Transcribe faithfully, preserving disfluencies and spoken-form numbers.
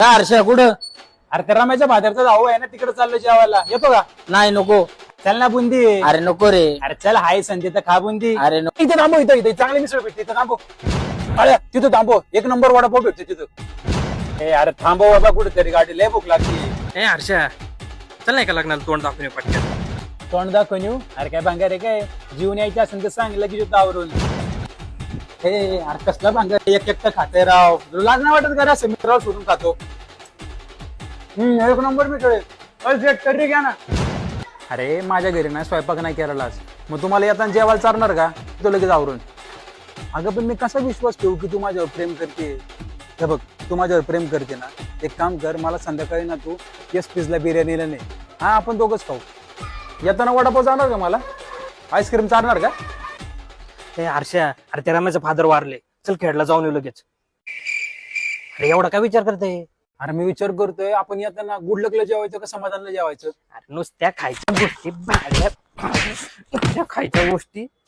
का हर्षा कुठं? अरे त्या रम्याच्या भाद्याचा भाऊ आहे ना, तिकडे चाललो जेवायला, येतो का? नाही नको. चल ना बुंदी. अरे नको रे. अरे चल, हाय संधी तर खा बुंदी. अरे नको. इथे थांबो, इथं इथे चांगली मिसळ भेटते, इथं थांबो. अरे तिथं थांबो, एक नंबर वडापाव भेटते तिथं. ए अरे थांबव बाबा, कुठेतरी गाडी लय भूक लागली. ए हर्षा, चल नाही का लग्नाला तोंड दाखवून येऊ पटकन. तोंड दाखवून येऊ? अरे काय भांगार आहे काय? जीवन यायचं असेल तर सांग, लगेच येतो आवरून. हे अरे कसला भांगार, एक एकटं खाते राव, तुला लाज नाही वाटत का? असं मित्रावर सोडून खातो. हम्म एक नंबर मित्र तरी घ्या ना. अरे माझ्या घरी नाही स्वयंपाक नाही केला आज, मग तुम्हाला येताना जेवायला चालणार का? तो लगेच आवरून. अगं पण मी कसा विश्वास ठेवू की तू माझ्यावर प्रेम करते? हे बघ, तू माझ्यावर प्रेम करते ना, एक काम कर, मला संध्याकाळी ना तू एस पीजला बिर्याणीला नाही, हा आपण दोघंच खाऊ. येताना वडापाव जाणार का? मला आईस्क्रीम चालणार का? ए हर्षा, अरे त्या रम्याचे फादर वारले, चल खेळला जाऊन येऊ लगेच. अरे एवढा काय विचार करते? अरे मी विचार करतोय, आपण येताना गुडलकला जेवायचं का समाधानला जेवायचं? अरे नुसत्या खायच्या गोष्टी भाड्या नुसत्या खायच्या गोष्टी